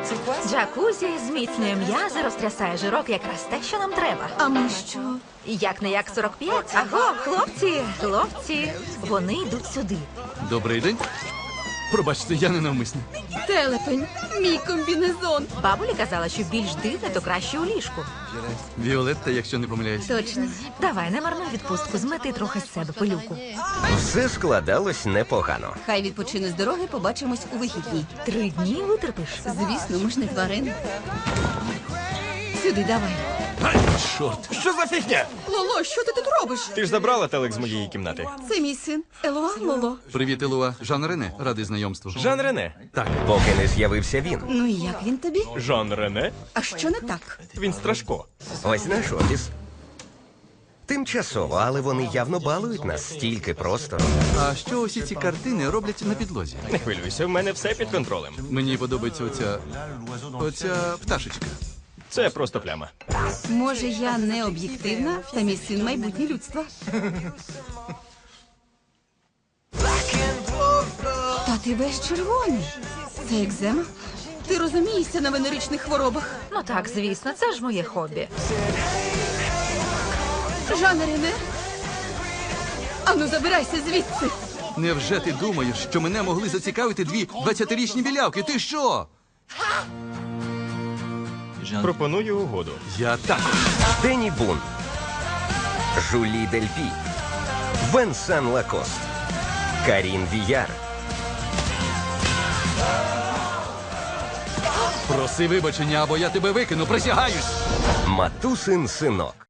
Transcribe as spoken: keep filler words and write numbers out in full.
Джакузі зміцнює м'язи, розтрясає жирок, якраз те, що нам треба. А ми що? Як не як сорок п'ять. Аго, хлопці, хлопці, вони йдуть сюди. Добрий день. Пробачте, я ненавмисний. Телепень, мій комбінезон. Бабуля казала, що більш дивне, то краще у ліжку. Віолетта, якщо не помиляюсь. Точно. Давай, не марнуй відпустку, змети трохи з себе пилюку. Все складалось непогано. Хай відпочине з дороги, побачимось у вихідні. Три дні витерпиш. Звісно, ми ж не тварини. Сюди, давай. Чорт. Що за фігня? Лоло, що ти тут робиш? Ти ж забрала телек з моєї кімнати. Це мій син. Елоа, Лоло. Привіт, Елуа. Жан Рене. Радий знайомству. Жан Рене. Так. Поки не з'явився він. Ну і як він тобі? Жан Рене? А що не так? Він страшко. Ось наш офіс. Тимчасово, але вони явно балують нас стільки простору. А що усі ці картини роблять на підлозі? Не хвилюйся, в мене все під контролем. Мені подобається оця... оця пташечка. Це просто пляма. Може, я не об'єктивна, та мій син майбутнє людства. Та ти весь червоний. Це екзема? Ти розумієшся на венеричних хворобах? Ну так, звісно, це ж моє хобі. Жане Рене? Ану, забирайся звідси. Невже ти думаєш, що мене могли зацікавити дві двадцятирічні білявки? Ти що? Пропоную угоду. Я також. Дені Бун, Жулі Дельпі, Венсан Лакост, Карін Віяр. Проси вибачення, або я тебе викину, присягаюсь. Матусин синок.